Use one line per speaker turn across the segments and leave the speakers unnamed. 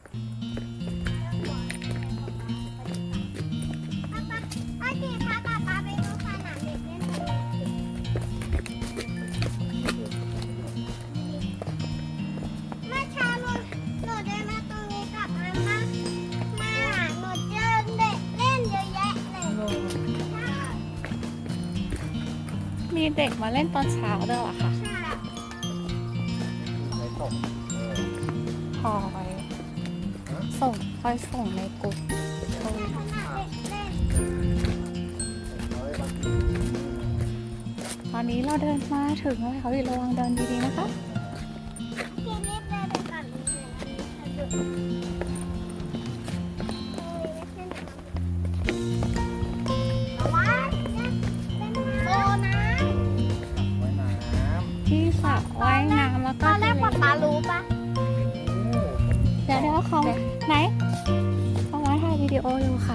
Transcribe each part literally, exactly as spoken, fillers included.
มีเด็กมาเล่นตอนเช้าด้วยเหรอคะคอยส่งคอยส่งในกลุ่มตอนนี้เราเดินมาถึงแล้วเขาอีกระวังเดินดีๆนะคะที่สระว่ายน้ำแล้วก็
ตอนแรกป๊าป๊ารู้ปะ
เดี๋ยวเดี๋ยวเขาไหนเขามาถ่ายวิดีโออยู่ค่ะ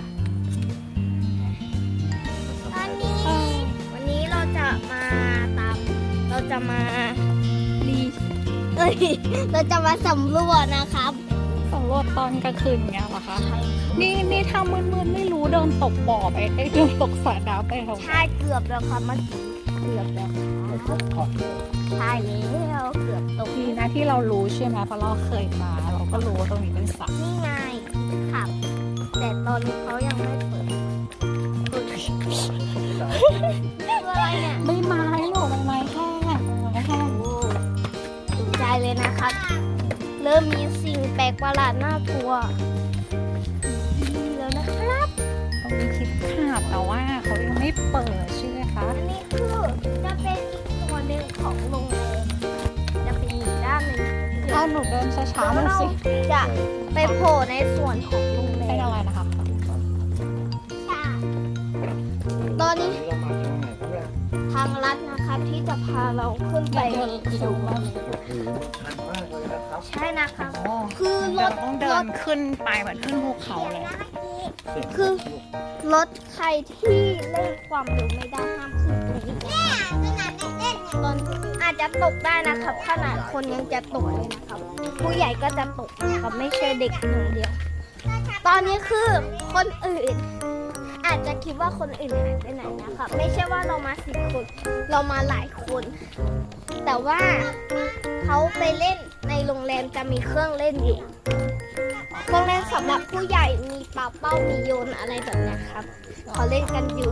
ตอนนี้วันนี้เราจะมาตามเราจะมาดีเอ้ยเราจะมาสำรวจนะครับ
สำรวจตอนกลางคืนอย่างเงี้ยเหรอคะนี่นี่ถ้ามืดๆไม่รู้เดินตกบ่อไปเอ้ยเดินตกสระน้ำไปทำไม
ใช่เกือบแล้วครับเมื่อกี้เกือบแล้วครับใช่แล้วเกือบตก
ดีนะที่เรารู้ใช่ไหมเพราะเราเคยมาเราก็รู้ว่าตรงนี้เป็นสระ
นี่ไงครับแต่ตอนนี้เขายังไม่เปิดคืออะไรเนี่ย
ใบไม้หรอกใบไม้แห้งใบไม้แห้ง
ตกใจเลยนะครับ เริ่มมีสิ่งแปลกประหลาดน่ากลัวนี่แล้วนะครับ
ตรงนี้คิดขาดแต่ว่าเขายังไม่เปิดใช่ไหมคะ
อันนี้คือจะเป็นอีกส่วนหนึ่งของโรงแรมจะเป็นอีกด้านหนึ่ง
ถ้าหนูเดินช้าๆหน่อย
เรา
สิ
จะไปโผล่ในส่วนของโรงแร
เป็น
ม
อะไรนะคะ
ใช่ตอนนี้ทางลัดนะครับที่จะพาเราขึ้นไป
เดินดูว่า
ใช่นะครับ
อ๋อ
คือร
เรา
ถ
ต้องเดิ
ร
น
ถ
ขึ้นไปเหมือนขึ้นภูเขาเลย
คือรถใครที่เล่นความเร็วไม่ได้ห้ามขึ้นตรงนี้ตอนอาจจะตกได้นะครับ ขนาดคนยังจะตกเลยนะครับ ผู้ใหญ่ก็จะตกนะครับไม่ใช่เด็กอย่างเดียว ตอนนี้คือคนอื่น อาจจะคิดว่าคนอื่นหายไปไหนนะครับ ไม่ใช่ว่าเรามาสิบคน เรามาหลายคน แต่ว่าเขาไปเล่นในโรงแรมจะมีเครื่องเล่นอยู่เครื่องเล่นสำหรับผู้ใหญ่มีปาเป้ามีโยนอะไรแบบนี้ครับเขาเล่นกันอยู่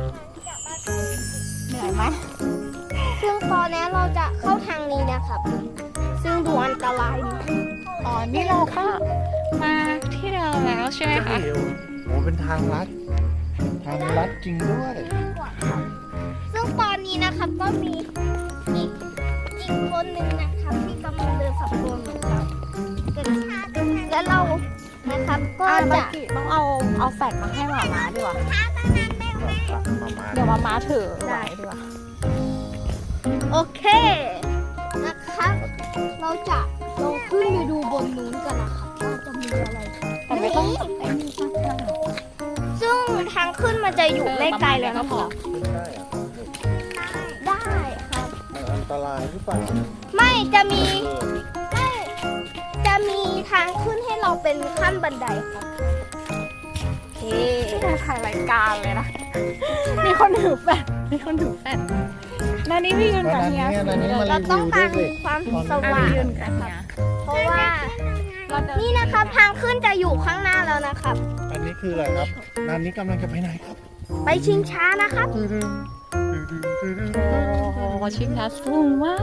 เหนื่อยไหม
ซึ่งตอนนี้เราจะเข้าทางนี้นะครับ ซึ่งดูอันตรายนะ
อ๋อนี่เราก็มาที่เดิมแล้วใช่ไหมคะ
โอ้เป็นทางลัด ทางลัดจริงด้วย
ซึ่งตอนนี้นะครับก็มีอีกอีกคนหนึ่งนะครับที่กำลังเดินสำรวจเหมือนกันและเรานะครับก็
อ่ะเมื่อ
จะ
กี้ต้องเอาเอาแฟลชมาให้หมาม้าดีกว่า
มามา
เดี๋ยวมาม้าถือไว้ดีกว่า
โอเคนะครับ เราจะลงขึ้นไปดูบนนู้นกันนะครับว่าจะมีอะไร
แต่ไม่ต้องไอ้นี่มาก
ซึ่งทางขึ้นมันจะอยู่ไม่ไกลแล้ว
ก็
นะ
พ
ค
อ
รับ
ขึ้นได้อะ
ได้ครับ
มันอันตรายหรือเปล่า
ไม่จะมีไม่จะมีทางขึ้นให้เราเป็นขั้นบันไดครับโอเค
ที่มาถ่ายรายการเลยนะ มีคนถือแฟลชมีคนถือแฟลชนานี่พี่ยืน
แล้ว
กับ
นั้น
เฮีย
เนี่ยนั้นนี้มา
เรา
รี
ต้อ
วิ
ง
วด้
กาว ร
ยสิ
ความส
อ่ะ
ว่าง
พี่ยืนกับเฮีย
เพราะว่า
เราเดิน
นี่นะครับทางขึ้นจะอยู่ข้างหน้าแล้วนะครับ
อันนี้คืออะไรครับนันนี้กำลังจะไปไหนครับ
ไปชิงช้านะครับ
ตึ้งตึ้งตึ้งตึ้งตึ้ง
โอ้โหชิงช้าสูงมาก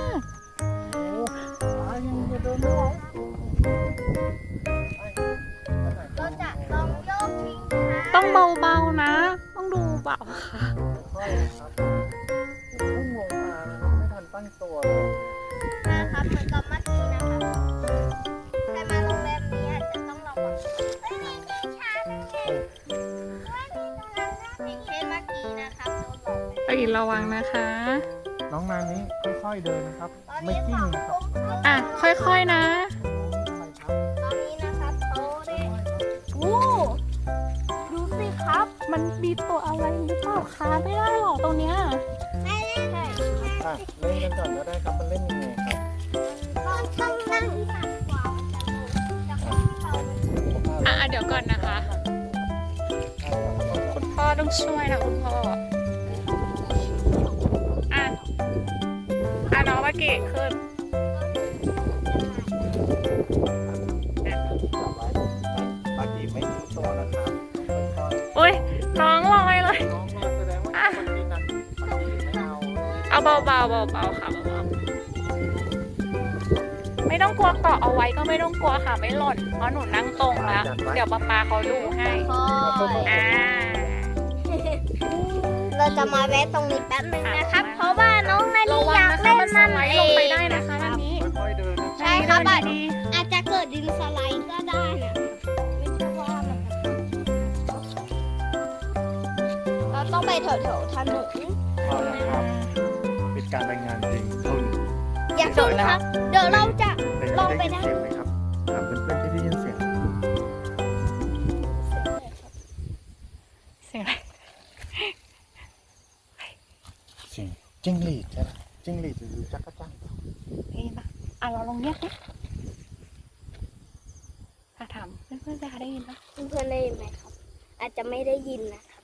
เราจะลองโยกชิงช้า
ต้องเบาๆนะ ต้องดูเบาค่ะ
ค่อยๆครับพุ่งลงมาไม่ทันตั้งตัวเลย
นะครับเหมือนกับเมื่อกี้นะครับใครมาโรงแรมนี้อาจจะต้องระวังเฮ้ยมีชิงช้าด้วยอย่างเช่นเมื่อกี้นะครับโดนหลอกไป
ไประวังนะคะ
น้องนานนี้ค่อยๆเดินนะครับ
ตอน
ไม่
นี้
กิ้
ส
ง
อง
นะค
ทุ่
รับ
มครึ่ง
อ่ะ ค่อยๆนะ
อะไรครับ
ตอนนี้นะครับเขาได้โอ้ดูสิครับ
มันมีตัวอะไรหรือเปล่าคะไม่ได้หรอกตรงเนี้ย
ไม่ได้ใช่
อ่ะเล่นกันก่อนก็ได้ครับมันเล่นยังไงครับ
ต้องต้องนั่งฝั่งขวาจะจะขึ้นเขา
วนนะคะ คุณพ่อต้องช่วยนะคุณพ่อ อ่ะ อ่ะน้องมากี่ขึ้น
ปากีไม่ทิ้งตัวนะครับค่อย
อุ้ยน้องลอยเลย
ๆน้องนอนแสดงว่าคนที่นั่งปากีไม่เอา
เอาเบาๆเบาๆค่ะเบาๆไม่ต้องกลัวเกาะเอาไว้ก็ไม่ต้องกลัวค่ะไม่หล่นเพราะหนูนั่งตรงแล้ว เดี๋ยวป๊าป๊าเขาดูให้
ค่อย
อ่า
เราจะมาแวะตรงนี้แป๊บนึงนะครับ เพราะว่าน้องนา
ระ
ลี
วั
อง ยาก
นะคะ
เล่น
มันส
มัน
ไลด์
เอ
ลงไป
ง
ได้นะคะอันนี้
ค่อยๆเดินนะ
ใช่ครับ
เดิ
อาจ
นดี
อาจจะเกิดดินสไลด์ก็ได้นะไม่ใช่ว่ามันเราต้องไปแถวๆถนน
พอแล้วครับเป็นการรายงานจริงเท่านี้
อย่าชนครับ เดี๋ยวเราจะ
เป็น
ลองไป
ได้
นะ
ยินเสียงไหมครับถามเพื่อนๆที่ได้ยินเสียง
เสียงอะไร
เสียงจิ้งหรีดใช่ไหมจิ้งหรีดหรือจักรจั่น
ได้ยินปะอ่ะเราลองเรียกดิถ้าถามเพื่อนๆจะได้ยินปะ
เพื่อนๆได้ยินไหมครับ อาจจะไม่ได้ยินนะครับ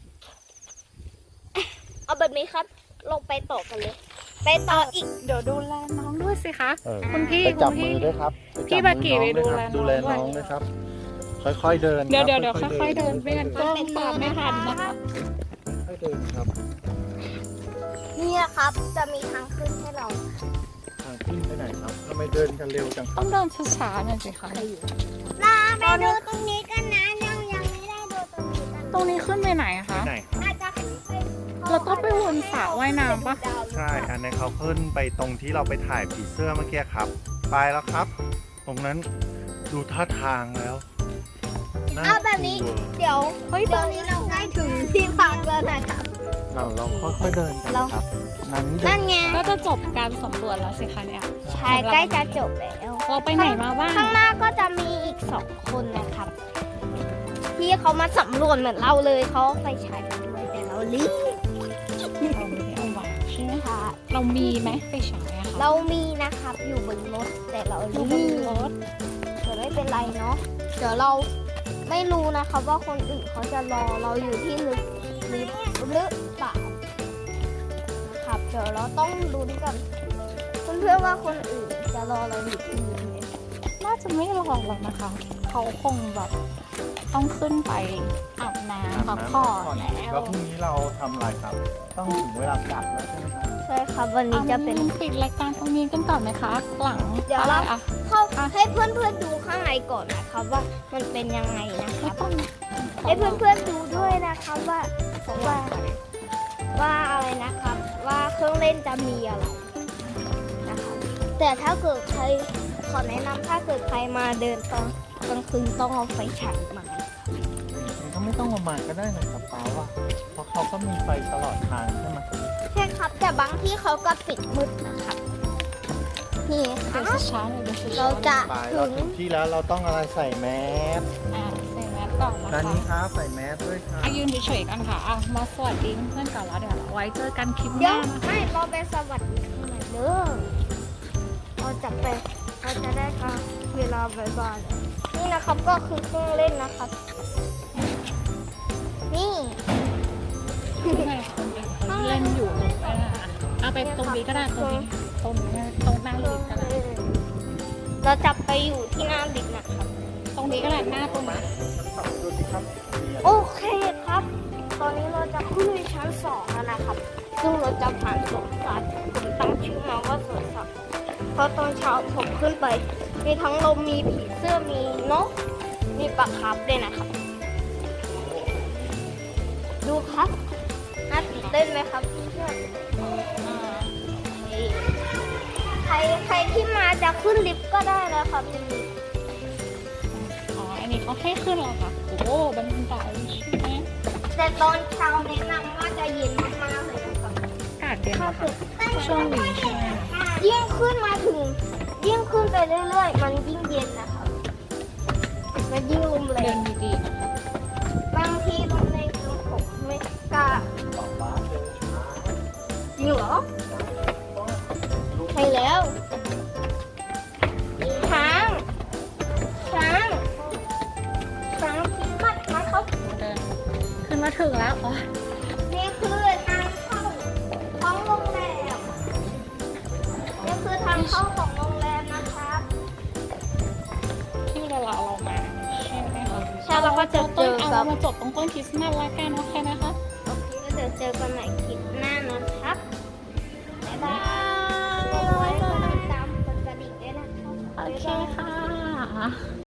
เอาแบบนี้ครับ ลงไปต่อกันเลย ไปต่ออีก
เดี๋ยวดูแลน้องด้วยสิคะ
เออ
คุณพี่
ไปจับ
คุณพี่
มือด้วยครับ
พี่
ไปจั
บากิ
มือน้อง
ไปดูแล
ด้วยครับ
น้อง
ดูแลน้องด้วยครับ ค่อยๆเดิน
เดี๋ยว
รับ
เดี๋ยวเดี๋ยว
ๆ
ค่อยๆเดินไม่งั้นก็ตามไม่ทันนะคะ
ค่อยๆเดินครับ
นี่นะครับ จะมีทางขึ้นให้เรา
ทางขึ้นไปไหนครับทำไมเดินกันเร็วจังค
ต้
รั
อบ งเดินช้าๆหน่อยสิคะ
มาไปดูตรงนี้กันนะยังยังไม่ได้ดูตรงนี้กัน
ตรงนี้ขึ้นไปไหนอะคะ
ไหนครับ
อาจจะขึ้นไป
เราต้องไปวนสระว่ายน้ำปะ
ใช่ อันนี้นเขาขึ้นไปตรงที่เราไปถ่ายผีเสื้อเมื่อกี้ครับ ไปแล้วครับ ตรงนั้นดูท่าทางแล้วน่
เอาแบบนี้
กลัว
เดี๋ยวเฮ้ยตอนนี้เราใกล้ถึงที่พักแล้วนะครับ
เราเราค่อยๆเดินกัน
เรา
ครับ นั้นเดิ
นั่
น
นไง
ก็จะจบการสำรวจแล้วสิคะเนี่ย
ใช่ใกล้จะจบแล้ว
เราไปไหนมาบ้าง
ข้างหน้าก็จะมีอีกสองคนนะครับ ที่เขามาสำรวจเหมือนเราเลยเขาเอาไปฉายมาด้วยแต่เรารีบ
เราไม่ได้เอาไว้ใช่ไหม
ค่ะ
เรามีไหมไปฉายอะคะ
เรามีนะครับอยู่บนรถแต่เรา
อยู่
รี
บน
บ
รถ
แต่ไม่เป็นไรเนาะเดี๋ยวเราไม่รู้นะครับว่าคนอื่นเขาจะรอเราอยู่ที่ลึกลิฟหรือเปล่าครับเดี๋ยวเราต้องลุ้นกันเพื่อนๆว่าคนอื่นจะรอเราอยู่ที่ลิฟไหม
น่าจะไม่รอหรอกนะคะ เขาคงแบบต้องขึ้นไปอาบน้ำพักผ่อนแล้ว
แล้วพรุ่งนี้เราทำอะไรครับ ต้องถึงเวลากลับแล้วใช่ไหมครับ
ใช่ครับวันนี้จะเป็น
อาปิดรายการตรงนี้กันก่อนไหมคะ หลัง
เดี๋ยวเรา
อะไรอะ
เข้าให้เพื่อนๆดูข้างในก่อนนะครับว่ามันเป็นยังไงนะค
ไม่
รับ
ต้อง
ให้เพื่อนๆดูด้วยนะครับว่าว่าว่าอะไรนะครับ ว่าเครื่องเล่นจะมีอะไรนะครับแต่ถ้าเกิดใครขอแนะนำถ้าเกิดใครมาเดินตอนกลางคืนต้องเอาไฟฉายมา
มันก็ไม่ต้องประมาณก็ได้นะครับป้าว่า เพราะเขาก็มีไฟตลอดทางใช่ไหม
ใช่ครับแต่บางที่เขาก็ปิดมืดนะครับนี่ค
เดี๋
รั
ยว
บ
ช้าๆเลยเดี๋ยวช้าๆ
เราจะ
ไป
ถึ
เรา
ง
ถึงที่แล้วเราต้องอะไรใส่แมส
อ่าใส่แมสก่อนนะ
ด้าน
คะ
นี้ครับใส่แมสด้วยครับ
อายืนเฉยๆกันค่ะอ่ะมาสวัสดีเพื่อนๆก่อนแล้วเดี๋ยวเราไว้เจอกันคลิปห
เดี๋ย
น้าว นะคะ
ไม่เราไปสวัสดีข้างในเด้อเราจะไปเราจะได้ค่ะเวลาบ่ายๆนี่นะครับก็คือเครื่องเล่นนะครับ นี่
ข้างในคนอื่นเขาเล่นอยู่หรือว่าเอาไปตรงนี้ก็ได้ตรงนี้ตรงนี้ตรงหน้าลิฟต์ก็ได้
เราจะไปอยู่ที่หน้าลิฟต์นะครับ
ตรงนี้ก็ได้หน้าตรงนี้
ดูสิครับ
โอเคครับ ตอนนี้เราจะขึ้นไปชั้นสองแล้วนะครับ ซึ่งเราจะผ่านสวนสัตว์ผมตั้งชื่อมาว่าสวนสัตว์เพราะตอนเช้าผมขึ้นไป มีทั้งลมมีผีเสื้อมีนก มีปลาคาร์ฟด้วยนะครับ ดูครับน่าตื่นเต้นไหมครับเพื่อนๆใครใครที่มาจะขึ้นลิฟต์ก็ได้นะครับเป็นลิฟต์
อ๋ออันนี้เขาให้ขึ้นเหรอคะโอ้โหบันไดใช่ไหม
แต่ตอนเช้าแนะนำว่าจะเย็นมากๆเลยนะครับ
อากาศเย็น
ถ้า
นะคะ
เกิด
ช่วงนี้ใช่ไหม
ยิ่งขึ้นมาถึง ยิ่งขึ้นไปเรื่อยๆ มันยิ่งเย็นนะครับมันยิ่งลมแร
เดิ
ง
นดีๆนะคะ
บางทีลมแรงจนผมไม่กล้า
บอกว่าเดินช้า
จริงเหรอใช่แล้วช้างช้างช้าง
ถึงแล้วอ๋อ
นี่คือทางเข้าของโรงแรมนี่คือทางเข้าของโรงแรมนะครับ
ที่เวลาเรามาใช่ไหมคะ
ใช่เราก็จะเจอ
เอา
กั
เรา
บ
มาจบตรงต้นคริสต์มาสละกันโอเคนะคะ
โอเคก็เดี๋ยวเจอกันใหม่คลิปหน้านะครับ บ๊ายบาย ตามกดกระดิ่งด้วยนะครับ
โอเคค่ะ